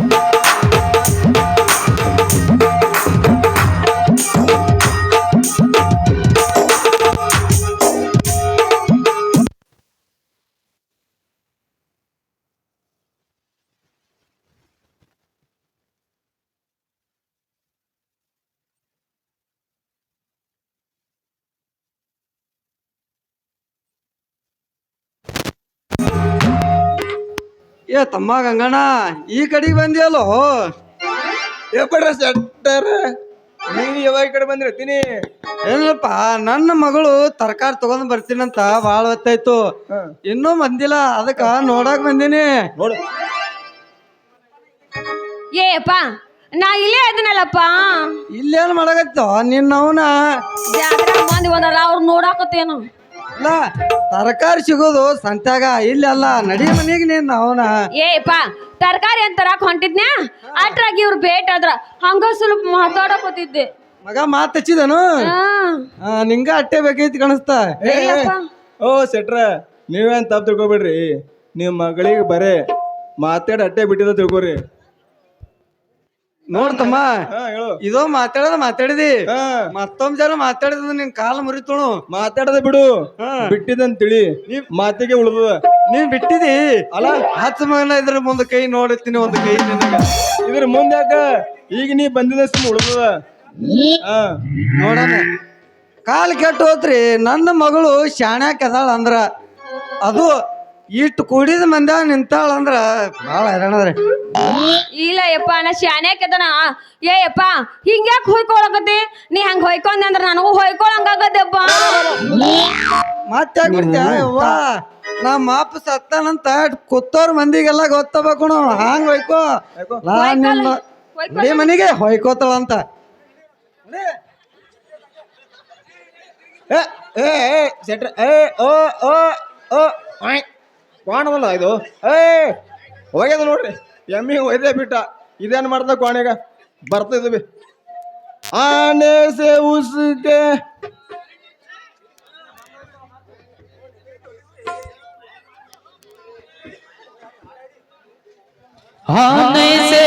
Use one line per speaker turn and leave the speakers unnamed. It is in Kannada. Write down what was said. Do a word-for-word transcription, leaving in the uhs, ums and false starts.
ಏ ತಮ್ಮ ಗಂಗಣ್ಣ ಈ ಕಡೆಗೆ ಬಂದಿಯಲ್ಲೋ.
ಏಪಡ್ರ ಸೆಟ್ಟರ್ ನೀನು ಯಾವಾಗ ಈ ಕಡೆ ಬಂದಿರ್ತೀನಿ?
ಏನಪ್ಪ ನನ್ನ ಮಗಳು ತರಕಾರಿ ತಗೊಂಡ್ ಬರ್ತೀನಂತ ಬಾಳ ಹೊತ್ತಾಯ್ತು, ಇನ್ನೂ ಬಂದಿಲ್ಲ, ಅದಕ್ಕ ನೋಡಕ್ ಬಂದೀನಿ.
ನೋಡು
ಏಪ್ಪ ನಾ ಇಲ್ಲೇ ಅದನ್ನಲ್ಲಪ್ಪ.
ಇಲ್ಲೇನ್ ಮಾಡಕತ್ತೋ ನಿನ್ನವನ?
ಜಾತ್ರೆ ಮಂದಿ ಬಂದಾರ ಅವ್ರು ನೋಡಾಕತ್ತೇನು?
ಇಲ್ಲ ತರಕಾರಿ ಸಿಗೋದು ಸಂತ್ಯಾಗ, ಇಲ್ಲೆಲ್ಲ ನಡಿ ಮನೆಗೆ ನೀನ್ ಅವನ.
ಏಪ್ಪ ತರಕಾರಿ ಅಂತ ತರಾಕ್ ಹೊಂಟಿದ್ನ್ಯಾ, ಅಟ್ರಾಗಿ ಇವ್ರು ಭೇಟ್ ಆದ್ರ ಹಂಗ ಸ್ವಲ್ಪ ಮಾತಾಡಕೋತಿದ್ದೆ.
ಮಗ ಮಾತ್ ಹಚ್ಚಿದನು? ನಿಂಗ ಅಟ್ಟೆ ಬೇಕೈತಿ ಕಾಣಿಸ್ತಾ.
ಓ ಸೆಟ್ರ, ನೀವೇನ್ ತಪ್ಪು ತಿಳ್ಕೊಬೇಡ್ರಿ. ನಿಮ್ ಮಗಳಿಗೆ ಬರೇ ಮಾತಾಡಿ ಅಟ್ಟೆ ಬಿಟ್ಟಿದ ತಿಳ್ಕೊರಿ.
ನೋಡ್ತಮ್ಮ, ಇದೋ ಮಾತಾಡೋದ ಮಾತಾಡಿದಿ, ಮತ್ತೊಂದ್ ಜನ ಮಾತಾಡಿದ ನಿನ್ ಕಾಲ ಮುರಿತೋಣು.
ಮಾತಾಡದ ಬಿಡು, ಬಿಟ್ಟಿದಂತ ತಿಳಿ, ಮಾತಿಗೆ ಉಳ್ದದ.
ನೀನ್ ಬಿಟ್ಟಿದಿ ಅಲ್ಲ, ಹತ್ತು ಮಗನ ಇದ್ರ ಮುಂದೆ ಕೈ ನೋಡುತ್ತೀನಿ, ಒಂದು ಕೈ ನಿನಗ
ಇದ್ರ ಮುಂದೆ ಯಾಕ, ಈಗ ನೀ ಬಂದಿದಷ್ಟು ಉಳ್ದದ.
ನೋಡಣ, ಕಾಲ ಕೆಟ್ಟು ಹೋತ್ರಿ. ನನ್ನ ಮಗಳು ಶಾಣ್ಯಾಕ ಅದಾಳ ಅಂದ್ರ, ಅದು ಇಟ್ಟು ಕುಡಿದ ಮಂದ ನಿಂತಾಳ ಅಂದ್ರ ಬಾಳ ಹೈರಾಣದ್ರಿ.
ಇಲ್ಲ ಯಪ್ಪ, ನಾ ಶಾನ್ಯಾಕದನ. ಏ ಯಪ್ಪ ಹಿಂಗ್ಯಾಕ್ ಹೊಯ್ಕೊಳಕತ್ತಿ? ನೀ ಹಂಗ ಹೊಯ್ಕೊಂಡೆ ಅಂದ್ರ ನನಗೂ ಹೊಯ್ಕೊಳಂಗಾಗದಪ್ಪ.
ಮತ್ತೆ ಬಿಡ್ತೀವ? ನಮ್ಮ ಅಪ್ಪ ಸತ್ತಾನಂತ ಕೂತೋರ್ ಮಂದಿಗೆಲ್ಲ ಗೊತ್ತಬೇಕು, ಹಾಂಗ್ ಹೊಯ್ಕೋ. ನಿನ್ನ ಮನೆಗೆ ಹೊಯ್ಕೋತಾಳಂತ.
ಸೆಟ್ರ ಏ ಓ ಓ ಓ ಕ್ವಾಣವಲ್ಲ ಇದು. ಏ ಹೋಗ್ಯದ ನೋಡ್ರಿ, ಎಮ್ಮಿ ಒಯ್ದೇ ಬಿಟ್ಟ. ಇದೇನ್ ಮಾಡ್ದ ಕ್ವಾಣೆಗ ಬರ್ತಿದ್ವಿ. ಆನೆ ಸೆ ಉಸ್ಕೆ
आने से